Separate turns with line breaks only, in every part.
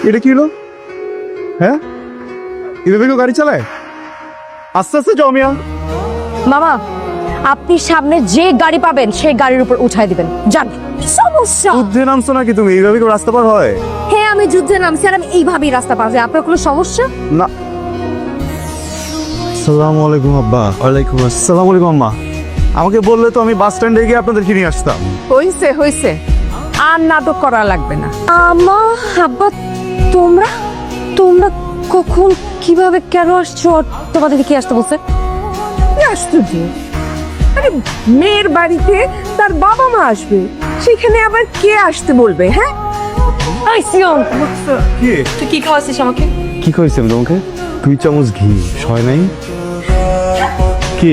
এটা কি হলো? হ্যাঁ, এভাবে কেউ গাড়ি চালায়? আস্তে আস্তে যাও মিয়া।
মামা, আপনি সামনে যে গাড়ি পাবেন সেই গাড়ির উপর উঠাই দিবেন। যান। সমস্যা?
যুদ্ধে নামছো নাকি তুমি? এইভাবে কেউ রাস্তা পার হয়?
হ্যাঁ, আমি যুদ্ধে নামছি আর আমি এইভাবেই রাস্তা পার হই। আপনার কোনো সমস্যা?
না। আসসালামু আলাইকুম আব্বা। ওয়ালাইকুম আসসালাম। আলাইকুম আম্মা। আমাকে বললে তো আমি বাস স্ট্যান্ডে গিয়ে আপনাদেরকে নিয়ে আসতাম।
হইছে হইছে, আর নাটক করা লাগবে না।
আমা, আব্বা, তোমরা তোমরা কখন কিভাবে কেন আসছো? আর তোমাদেরকে কি আসতে বলছে?
কি আশ্চর্য! আরে মেয়ের বাড়িতে তার বাবা মা আসবে, সেখানে আবার কে আসতে বলবে? হ্যাঁ,
আই সিয়ন,
কি
তুই কি খাওয়াছিস আমাকে?
কি কইছি আমি তোমাকে? 2 চামচ ঘি হয় নাই? কি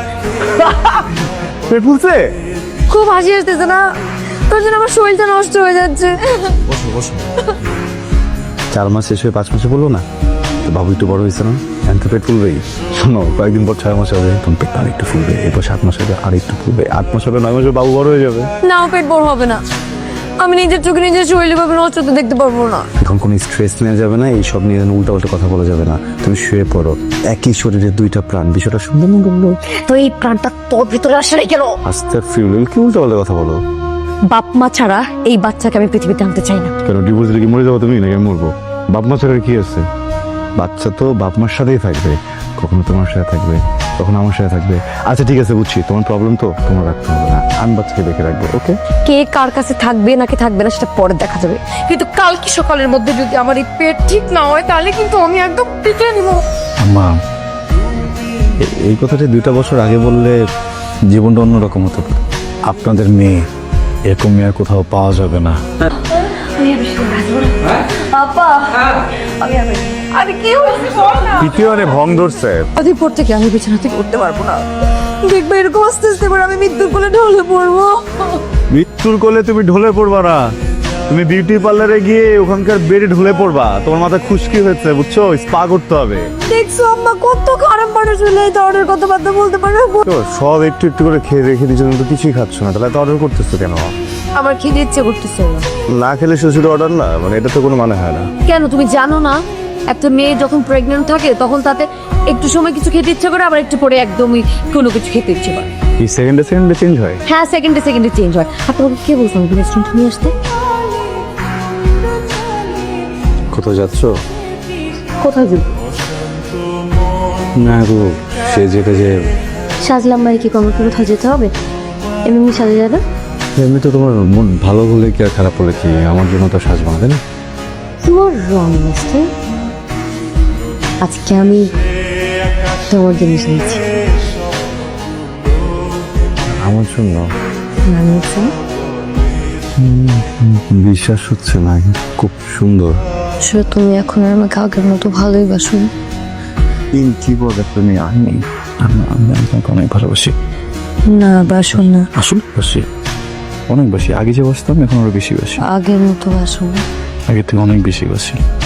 পেট ফুলছে?
খুব হাসি আসতেছে না? তোর জন্য আমার শরীরটা নষ্ট হয়ে যাচ্ছে।
বসো বসো। 4 মাস শেষ হয়ে 5 মাসে বললো না তো বাবু একটু বড় হয়েছে না, এখন তো পেট ফুলবেই। শোনো, কয়েকদিন পর 6 মাস হবে, তখন পেট আর একটু ফুলবে, এরপর 7 মাস হবে আর একটু ফুলবে, 8 মাস হবে, 9 মাসে বাবু বড় হয়ে যাবে।
নাও, পেট বড় হবে না। আমি নিজের চোখে নিজের শরীরে ভাবে নষ্ট হতে দেখতে পারবো না।
এখন কোনো স্ট্রেস নেওয়া যাবে না, এইসব নিয়ে উল্টা উল্টা কথা বলা যাবে না। তুমি শুয়ে পড়ো। একই শরীরে 2টা প্রাণ, বিষয়টা সুন্দর না বললো?
তো এই প্রাণটা তোর ভিতরে আসে নাই কেন?
আস্তে ফিরুল কি উল্টা পাল্টা কথা বলো?
বাপ মা ছাড়া এই বাচ্চাকে আমি পৃথিবীতে আনতে চাই না।
কেন ডিভোর্স দিলে কি মরে যাবো তুমি নাকি আমি মরবো? বাপ মা ছাড়া কি আছে? বাচ্চা তো বাপ মার সাথেই থাকবে, কখনো তোমার সাথে থাকবে, কখনো আমার সাথে থাকবে। আচ্ছা ঠিক আছে, বুঝছি তোমার প্রবলেম, তো তোমার রাখতে হবে না, আমি বাচ্চাকে দেখে রাখবো। ওকে?
কে কার কাছে থাকবে নাকি থাকবে না সেটা পরে দেখা যাবে, কিন্তু কালকে সকালের মধ্যে যদি আমার এই পেট ঠিক না হয় তাহলে কিন্তু আমি একদম পিছিয়ে নিব।
আম্মা, এই কথাটা 2টা বছর আগে বললে জীবনটা অন্যরকম হতো। আপনাদের মেয়ে এরকম মেয়ে আর কোথাও পাওয়া যাবে না।
আরে কি হয়েছে বল না।
দ্বিতীয়বারে ভং ধরছে।
পর থেকে আমি বিছানা থেকে উঠতে পারবো না। দেখবে এরকম আস্তে আস্তে করে আমি মৃত্যুর কোলে ঢলে পড়বো।
মৃত্যুর কোলে তুমি ঢলে পড়বা না, তুমি বিউটি পার্লারে গিয়ে ওখানকার বেডে ঢলে পড়বা। তোমার মাথা খুশকি হয়েছে, বুঝছো? স্পা করতে হবে।
দেখছো আম্মা কত খারাপ মানুষ হলে এই ধরনের কথাবার্তা বলতে পারে।
তো সব একটু একটু করে খেয়ে রেখে দিচ্ছ, তুমি তো কিছুই খাচ্ছ না, তাহলে তো অর্ডার করতেছো কেন?
আমার খেতে ইচ্ছে করতেছে না।
না খেলে শ্বশুর অর্ডার না, মানে এটা তো কোনো মানে হয় না।
কেন তুমি জানো না, একটা মেয়ে যখন প্রেগনেন্ট থাকে তখন তাতে একটু সময় কিছু খেতে ইচ্ছে করে, আবার একটু পরে একদমই কোনো কিছু খেতে ইচ্ছে করে।
এই সেকেন্ডে সেকেন্ডে চেঞ্জ হয়।
হ্যাঁ, সেকেন্ডে সেকেন্ডে চেঞ্জ হয়। আর তোমাকে কে বলছো আমাকে রেস্টুরেন্ট নিয়ে আসতে?
কোথাও যাচ্ছ?
কোথায় যাবো?
না গো, সে যেটা যে
সাজলাম মানে কি কমর কোথাও যেতে হবে? এমনি সাজে যাবে?
এমনি তো তোমার মন ভালো হলে কি আর খারাপ হলে কি, আমার জন্য তো সাজবো না, তাই না?
You are wrong mister. আজকে আমি তোমার জিনিস নিয়েছি।
আমার জন্য?
নিয়েছি।
বিশ্বাস হচ্ছে না, খুব সুন্দর।
আসলে তুমি এখন আর আমাকে আগের মতো ভালোই বাসো।
কি বলে তুমি? আমি তোমাকে অনেক ভালোবাসি।
না, বাসো না।
আসলে বাসি, অনেক বাসি। আগে যে বাসতাম এখন আরো বেশি বাসি।
আগের মতো বাসো না।
আগে থেকে অনেক বেশি বাসি।